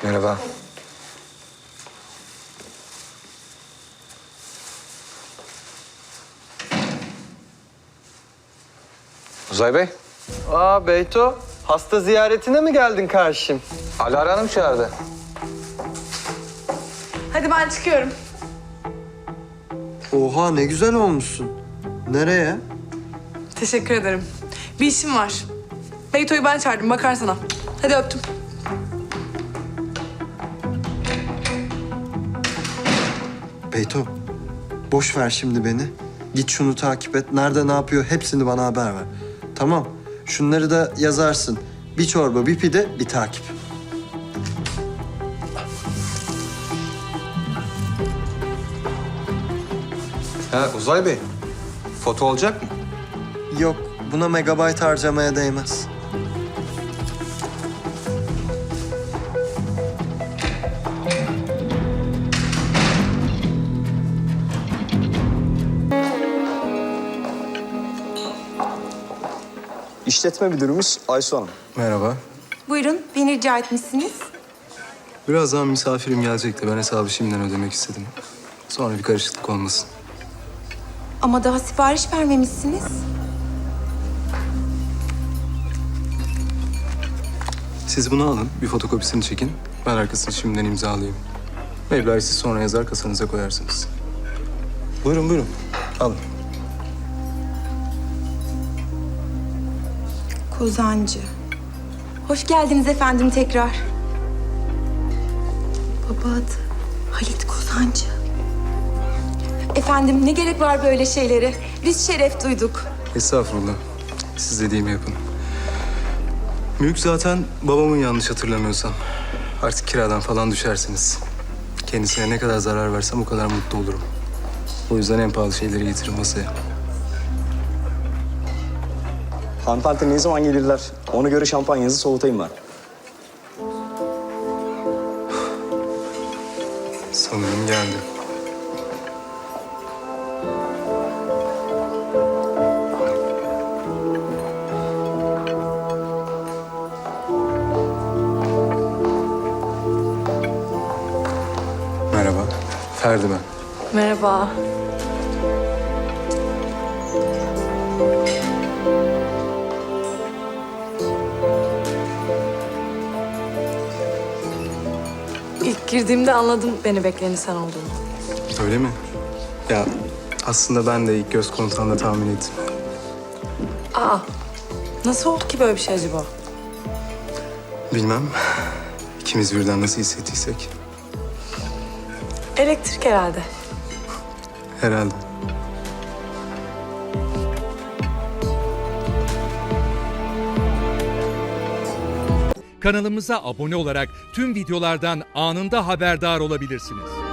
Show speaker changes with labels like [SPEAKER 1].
[SPEAKER 1] Merhaba. Uzay Bey,
[SPEAKER 2] Aa Beyto, hasta ziyaretine mi geldin karşım?
[SPEAKER 1] Alara Hanım çağırdı.
[SPEAKER 3] Hadi ben çıkıyorum.
[SPEAKER 2] Oha ne güzel olmuşsun. Nereye?
[SPEAKER 3] Teşekkür ederim. Bir işim var. Beyto'yu ben çağırdım, bakar sana. Hadi öptüm.
[SPEAKER 2] Beyto, boş ver şimdi beni. Git şunu takip et. Nerede ne yapıyor hepsini bana haber ver. Tamam. Şunları da yazarsın. Bir çorba, bir pide, bir takip.
[SPEAKER 1] Ha Uzay Bey, foto olacak mı?
[SPEAKER 2] Yok, buna megabayt harcamaya değmez.
[SPEAKER 4] İşletme müdürümüz Aysu Hanım.
[SPEAKER 5] Merhaba.
[SPEAKER 6] Buyurun, beni rica etmişsiniz.
[SPEAKER 5] Birazdan misafirim gelecek de ben hesabı şimdiden ödemek istedim. Sonra bir karışıklık olmasın.
[SPEAKER 6] Ama daha sipariş vermemişsiniz.
[SPEAKER 5] Siz bunu alın, bir fotokopisini çekin. Ben arkasını şimdiden imzalayayım. Meblağı siz sonra yazar kasanıza koyarsınız. Buyurun, buyurun. Alın.
[SPEAKER 6] Kozancı. Hoş geldiniz efendim tekrar. Baba adı Halit Kozancı. Efendim ne gerek var böyle şeylere? Biz şeref duyduk.
[SPEAKER 5] Estağfurullah. Siz dediğimi yapın. Mülk zaten babamın yanlış hatırlamıyorsam. Artık kiradan falan düşersiniz. Kendisine ne kadar zarar versem o kadar mutlu olurum. O yüzden en pahalı şeyleri getirin masaya.
[SPEAKER 4] Hanımefendi ne zaman gelirler? Ona göre şampanyanızı soğutayım ben.
[SPEAKER 5] Sanırım geldi. Merhaba. Ferdi ben.
[SPEAKER 3] Merhaba. İlk girdiğimde anladım beni bekleyeni sen olduğunu.
[SPEAKER 5] Öyle mi? Ya aslında ben de ilk göz kontağında tahmin ettim.
[SPEAKER 3] Aa, nasıl oldu ki böyle bir şey acaba?
[SPEAKER 5] Bilmem. İkimiz birden nasıl hissettiysek.
[SPEAKER 3] Elektrik herhalde.
[SPEAKER 5] Herhalde.
[SPEAKER 7] Kanalımıza abone olarak tüm videolardan anında haberdar olabilirsiniz.